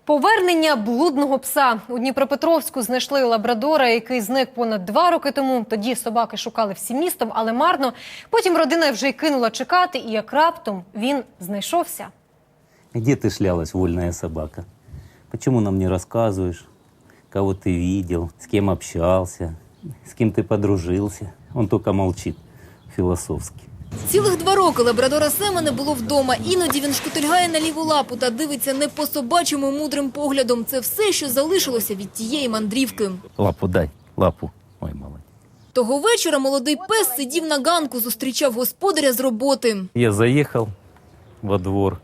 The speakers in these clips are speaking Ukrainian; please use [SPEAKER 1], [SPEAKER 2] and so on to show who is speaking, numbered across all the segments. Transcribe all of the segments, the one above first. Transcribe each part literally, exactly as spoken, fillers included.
[SPEAKER 1] Повернення блудного пса. У Дніпропетровську знайшли лабрадора, який зник понад два роки тому. Тоді собаки шукали всім містом, але марно. Потім родина вже й кинула чекати, і як раптом він знайшовся.
[SPEAKER 2] Где ты шлялась, вольная собака? Почему нам не рассказываешь, кого ты видел, с кем общался, с кем ты подружился? Он только молчит философски.
[SPEAKER 3] Цілих два роки лабрадора Сема не було вдома. Іноді він шкутильгає на ліву лапу та дивиться не по-собачому мудрим поглядом. Це все, що залишилося від тієї мандрівки.
[SPEAKER 2] Лапу дай, лапу. Ой, молодец.
[SPEAKER 3] Того вечора молодий пес сидів на ганку, зустрічав господаря з роботи.
[SPEAKER 2] Я заехал во двор.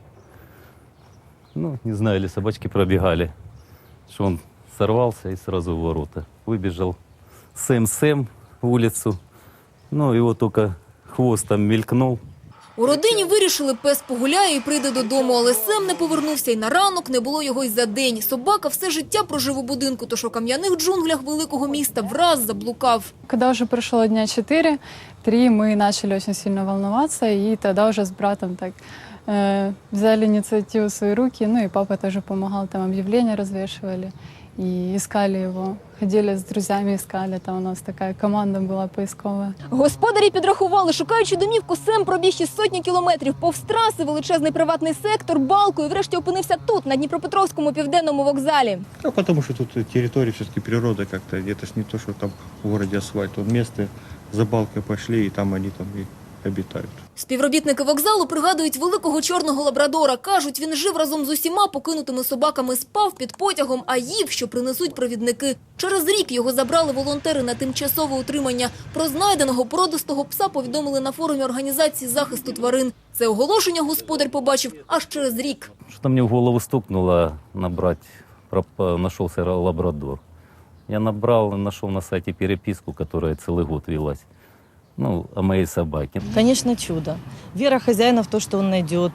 [SPEAKER 2] Ну, не знаю, или собачки пробегали, что он сорвался и сразу в ворота. Выбежал Сэм-Сэм в улицу. Ну, его только хвост там мелькнул.
[SPEAKER 3] У родині вирішили, пес погуляє і прийде додому, але Сем не повернувся і на ранок, не було його й за день. Собака все життя прожив у будинку, тож у кам'яних джунглях великого міста враз заблукав.
[SPEAKER 4] Когда уже прошло дня четыре, три мы начали очень сильно волноваться, и тогда уже с братом так э, взяли инициативу в свои руки, ну и папа тоже помогал, там объявления развешивали и искали его. Ходили з друзями, искали, там у нас така команда була поискова.
[SPEAKER 3] Господарі підрахували, шукаючи домівку, Сем пробіг із сотні кілометрів повз траси, величезний приватний сектор, балку і врешті опинився тут, на Дніпропетровському південному вокзалі.
[SPEAKER 5] Да, потому что тут территория, все-таки природа как-то, это ж не то, что там в городе асфальт. Вот место за балкой пошли, и там они там и обитають.
[SPEAKER 3] Співробітники вокзалу пригадують великого чорного лабрадора. Кажуть, він жив разом з усіма покинутими собаками, спав під потягом, а їв, що принесуть провідники. Через рік його забрали волонтери на тимчасове утримання. Про знайденого породистого пса повідомили на форумі організації захисту тварин. Це оголошення господар побачив аж через рік.
[SPEAKER 2] Что-то мне в голову стукнуло набрать, проп- нашелся лабрадор. Я набрал, нашел на сайте переписку, которая целый год велась. Ну, о моей собаке.
[SPEAKER 6] Конечно, чудо. Вера хозяина в то, что он найдет.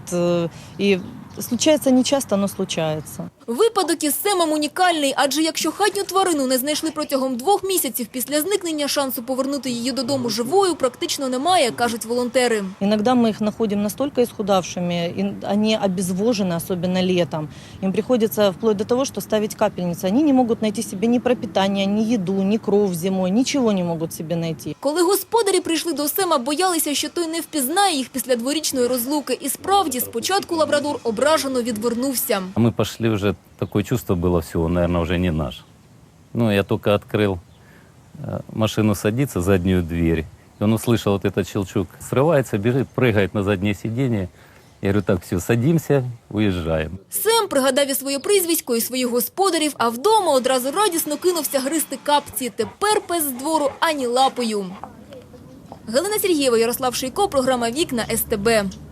[SPEAKER 6] И случается нечасто, но случается.
[SPEAKER 3] Випадок із Семом унікальний, адже якщо хатню тварину не знайшли протягом двох місяців після зникнення, шансу повернути її додому живою практично немає, кажуть волонтери.
[SPEAKER 6] Иногда мы их находим настолько исхудавшими, и они обезвожены, особенно летом. Им приходится вплоть до того, что ставить капельницы. Они не могут найти себе ни пропитание, ни еду, ни кров зимой, ничего не могут себе найти.
[SPEAKER 3] Коли господарі прийшли до Сема, боялися, що той не впізнає їх після дворічної розлуки. І справді, спочатку лабрадор ображено відвернувся.
[SPEAKER 2] А мы пошли уже, такое чувство было, все, он, наверное, уже не наш. Ну, я только открыл э, машину, садится, заднюю дверь. И он услышал вот этот щелчок, срывается, бежит, прыгает на заднее сиденье. Я говорю, так, все, садимся, уезжаем.
[SPEAKER 3] Сем пригадав і своє прізвисько, і своїх господарів, а вдома одразу радісно кинувся гризти капці. Тепер пес з двору ані лапою. Галина Сергієва, Ярослав Шийко, програма «Вікна ес те бе».